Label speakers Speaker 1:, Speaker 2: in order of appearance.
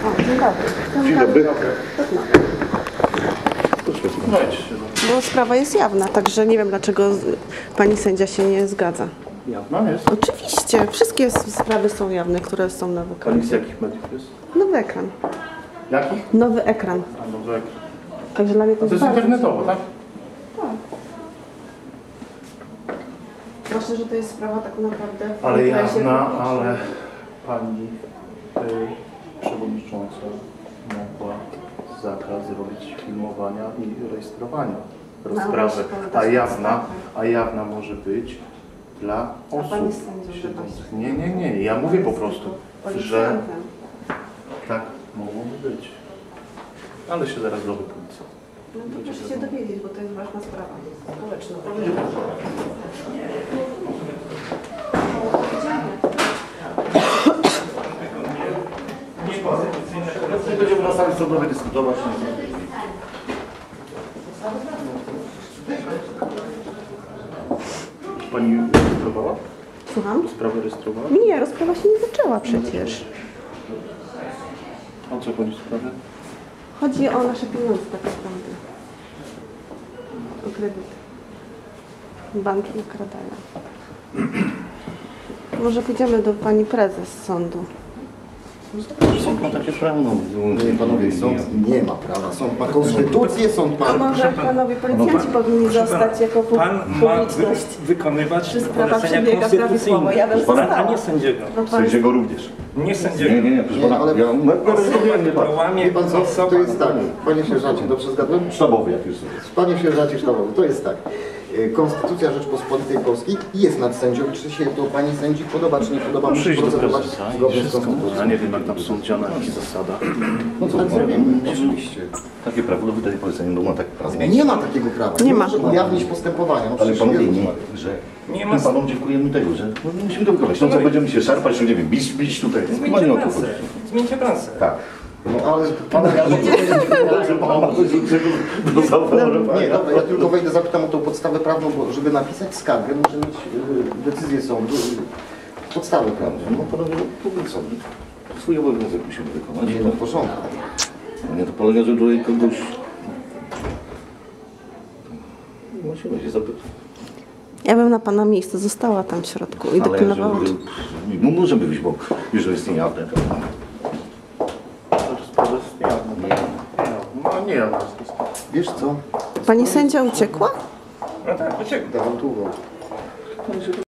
Speaker 1: Dzień dobry.
Speaker 2: Bo sprawa jest jawna, także nie wiem, dlaczego pani sędzia się nie zgadza.
Speaker 1: Jawna jest?
Speaker 2: Oczywiście, wszystkie sprawy są jawne, które są na
Speaker 1: Pani
Speaker 2: ekranie.
Speaker 1: z jakich mediów jest?
Speaker 2: Nowy ekran.
Speaker 1: Jakich?
Speaker 2: Nowy ekran.
Speaker 1: A nowy ekran.
Speaker 2: Także dla mnie
Speaker 1: To jest
Speaker 2: bardzo
Speaker 1: internetowo, tak?
Speaker 2: Tak. Zwłaszcza, że to jest sprawa tak naprawdę...
Speaker 1: Ale
Speaker 2: w interesie
Speaker 1: jawna,
Speaker 2: publicznym.
Speaker 1: ale pani przewodnicząca mogła zakaz zrobić filmowania i rejestrowania rozprawy. A jawna może być dla osób
Speaker 2: pani jest sędzią,
Speaker 1: siedzących. Nie. Ja mówię po prostu, że
Speaker 2: Policjantem.
Speaker 1: tak mogłoby być. Ale się zaraz dowie policja.
Speaker 2: No to proszę się dowiedzieć, bo to jest ważna sprawa społeczna.
Speaker 1: Będziemy na sali sądowej dyskutować. Pani rejestrowała?
Speaker 2: Słucham?
Speaker 1: Sprawę rejestrowała?
Speaker 2: Nie, rozprawa się nie zaczęła przecież.
Speaker 1: O co chodzi w sprawie?
Speaker 2: Chodzi o nasze pieniądze tak naprawdę. O kredyt. Banki ukradają. Może pójdziemy do pani prezes sądu.
Speaker 1: Sąd ma takie prawo.
Speaker 3: Panowie, sąd nie ma prawa. Sąd ma konstytucję, sąd
Speaker 2: A
Speaker 3: ma...
Speaker 2: może panowie policjanci powinni zostać jako
Speaker 4: Pan ma
Speaker 2: publiczność?
Speaker 4: wykonywać
Speaker 2: Czy sprawa
Speaker 4: polecenia
Speaker 2: przebiega prawidłowo? Ja bym
Speaker 4: konstytucyjne, a
Speaker 2: została.
Speaker 4: nie sędziego.
Speaker 2: No pan-
Speaker 5: Sędziego również.
Speaker 4: Nie sędziego.
Speaker 5: Nie, proszę pana,
Speaker 3: ale-
Speaker 5: ja
Speaker 4: Łamie
Speaker 3: Wie pan co,
Speaker 4: osoba.
Speaker 3: to jest tak, panie sierżancie, dobrze zgadłem?
Speaker 5: sztabowy jak już jest.
Speaker 3: Panie sierżancie sztabowy, to jest tak. Konstytucja Rzeczpospolitej Polskiej jest nad sędzią. Czy się to pani sędzi podoba, czy nie podoba? Musi
Speaker 1: Przyjść do
Speaker 3: procedować
Speaker 1: prezesa i
Speaker 3: zgodnie z
Speaker 1: wszystko.
Speaker 3: konstytucją.
Speaker 1: Ja nie wiem, jak tam sądzia na jakich zasadach.
Speaker 5: No co,
Speaker 3: Tak zrobimy, oczywiście.
Speaker 5: takie prawo do wydania polecenia, no ma tak prawo.
Speaker 3: Nie ma takiego prawa.
Speaker 2: Nie ma.
Speaker 3: może ujawnić postępowania. No
Speaker 5: Ale
Speaker 3: przecież
Speaker 5: panowie,
Speaker 3: wielu
Speaker 5: nie,
Speaker 3: ma.
Speaker 5: że
Speaker 4: Nie
Speaker 5: nie
Speaker 4: ma-
Speaker 5: panom dziękujemy tego, że no, musimy to wykonać. No co, będziemy się szarpać, no nie wiem, bić tutaj. Chyba
Speaker 4: Zmieńcie
Speaker 5: nie o to
Speaker 4: pracę.
Speaker 5: chodzi.
Speaker 4: Zmieńcie pracę.
Speaker 5: Tak.
Speaker 3: No ale...
Speaker 5: Pana ja że pan ma coś do zaoferowania.
Speaker 3: Nie, dobra, ja tylko wejdę, zapytam o tą podstawę prawną, bo żeby napisać skargę, muszę mieć decyzję sądu, podstawę prawną.
Speaker 5: No panowie, no powiedz sobie. Swój obowiązek musimy wykonać.
Speaker 3: Nie, no w porządku.
Speaker 5: No nie to polega, że tutaj kogoś... Musimy się zapytać.
Speaker 2: Ja bym na pana miejscu została tam w środku i dopilnowała.
Speaker 5: No możemy wyjść, bo już jest niejawne.
Speaker 1: To sprawa jest niejawna. No nie jawna jest to sprawa.
Speaker 3: Wiesz co?
Speaker 2: Pani sędzia uciekła?
Speaker 4: No tak, uciekł.
Speaker 3: Dałam tu uwagę.